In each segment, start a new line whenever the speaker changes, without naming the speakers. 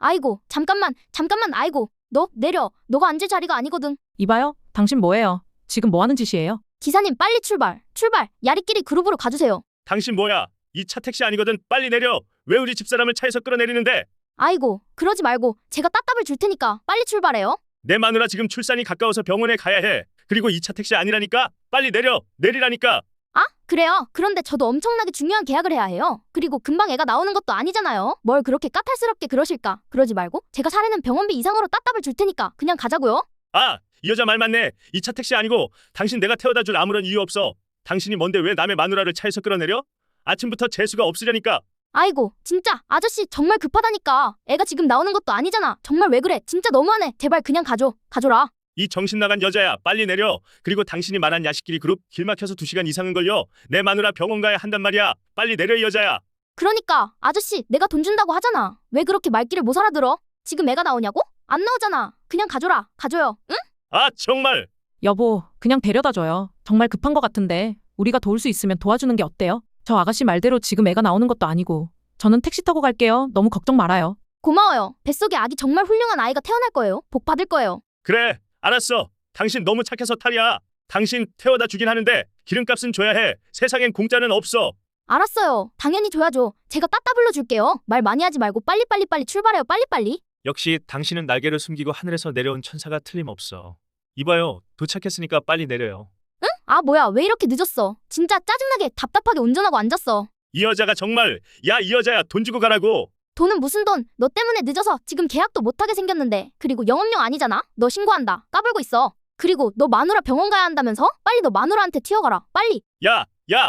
아이고, 잠깐만, 아이고. 너 내려. 너가 앉을 자리가 아니거든.
이봐요. 당신 뭐예요? 지금 뭐 하는 짓이에요?
기사님 빨리 출발. 야리끼리 그룹으로 가주세요.
당신 뭐야? 이 차 택시 아니거든. 빨리 내려. 왜 우리 집사람을 차에서 끌어내리는데?
아이고, 그러지 말고 제가 따답을 줄 테니까 빨리 출발해요.
내 마누라 지금 출산이 가까워서 병원에 가야 해. 그리고 이 차 택시 아니라니까. 빨리 내리라니까.
아, 그래요? 그런데 저도 엄청나게 중요한 계약을 해야 해요. 그리고 금방 애가 나오는 것도 아니잖아요. 뭘 그렇게 까탈스럽게 그러실까? 그러지 말고 제가 사례는 병원비 이상으로 따답을 줄 테니까 그냥 가자고요.
아, 이 여자 말 맞네. 이 차 택시 아니고 당신 내가 태워다 줄 아무런 이유 없어. 당신이 뭔데 왜 남의 마누라를 차에서 끌어내려? 아침부터 재수가 없으려니까.
아이고, 진짜 아저씨 정말 급하다니까. 애가 지금 나오는 것도 아니잖아. 정말 왜 그래? 진짜 너무하네. 제발 그냥 가줘라.
이 정신 나간 여자야. 빨리 내려. 그리고 당신이 말한 야식끼리 그룹 길 막혀서 2시간 이상은 걸려. 내 마누라 병원 가야 한단 말이야. 빨리 내려 이 여자야.
그러니까 아저씨 내가 돈 준다고 하잖아. 왜 그렇게 말귀를 못 알아들어? 지금 애가 나오냐고? 안 나오잖아. 그냥 가줘요. 응?
아, 정말.
여보, 그냥 데려다 줘요. 정말 급한 것 같은데 우리가 도울 수 있으면 도와주는 게 어때요? 저 아가씨 말대로 지금 애가 나오는 것도 아니고 저는 택시 타고 갈게요. 너무 걱정 말아요.
고마워요. 뱃속에 아기 정말 훌륭한 아이가 태어날 거예요. 복 받을 거예요.
그래, 알았어. 당신 너무 착해서 탈이야. 당신 태워다 주긴 하는데 기름값은 줘야 해. 세상엔 공짜는 없어.
알았어요. 당연히 줘야죠. 제가 따따 불러줄게요. 말 많이 하지 말고 빨리 출발해요. 빨리.
역시 당신은 날개를 숨기고 하늘에서 내려온 천사가 틀림없어. 이봐요, 도착했으니까 빨리 내려요.
응? 아 뭐야 왜 이렇게 늦었어. 진짜 짜증나게 답답하게 운전하고 앉았어.
이 여자가 정말. 야, 이 여자야, 돈 주고 가라고.
돈은 무슨 돈? 너 때문에 늦어서 지금 계약도 못하게 생겼는데. 그리고 영업용 아니잖아. 너 신고한다. 까불고 있어. 그리고 너 마누라 병원 가야 한다면서? 빨리 너 마누라한테 튀어가라. 빨리.
야,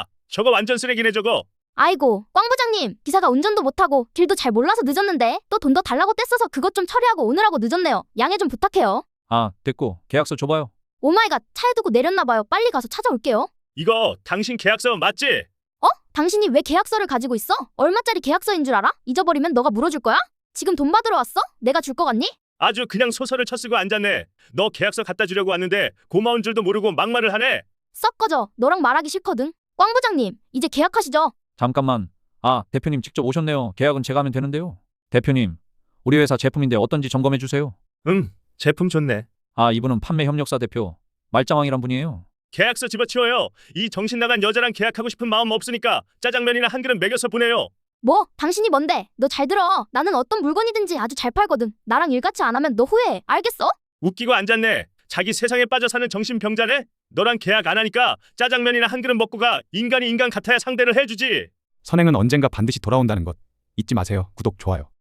저거 완전 쓰레기네 저거.
아이고 꽝 부장님, 기사가 운전도 못하고 길도 잘 몰라서 늦었는데 또 돈 더 달라고 떼써서 그것 좀 처리하고 오느라고 늦었네요. 양해 좀 부탁해요.
아, 됐고 계약서 줘봐요.
오마이갓, 차에 두고 내렸나봐요. 빨리 가서 찾아올게요.
이거 당신 계약서 맞지?
당신이 왜 계약서를 가지고 있어? 얼마짜리 계약서인 줄 알아? 잊어버리면 너가 물어줄 거야? 지금 돈 받으러 왔어? 내가 줄 거 같니?
아주 그냥 소설을 쳐쓰고 앉았네. 너 계약서 갖다 주려고 왔는데 고마운 줄도 모르고 막말을 하네.
썩 꺼져. 너랑 말하기 싫거든. 꽝 부장님, 이제 계약하시죠.
잠깐만. 아, 대표님 직접 오셨네요. 계약은 제가 하면 되는데요. 대표님, 우리 회사 제품인데 어떤지 점검해 주세요.
제품 좋네.
아, 이분은 판매 협력사 대표 말짱왕이란 분이에요.
계약서 집어치워요. 이 정신 나간 여자랑 계약하고 싶은 마음 없으니까 짜장면이나 한 그릇 먹여서 보내요.
뭐? 당신이 뭔데? 너 잘 들어. 나는 어떤 물건이든지 아주 잘 팔거든. 나랑 일같이 안 하면 너 후회해. 알겠어?
웃기고 앉았네. 자기 세상에 빠져 사는 정신병자네. 너랑 계약 안 하니까 짜장면이나 한 그릇 먹고 가. 인간이 인간 같아야 상대를 해주지.
선행은 언젠가 반드시 돌아온다는 것 잊지 마세요. 구독, 좋아요.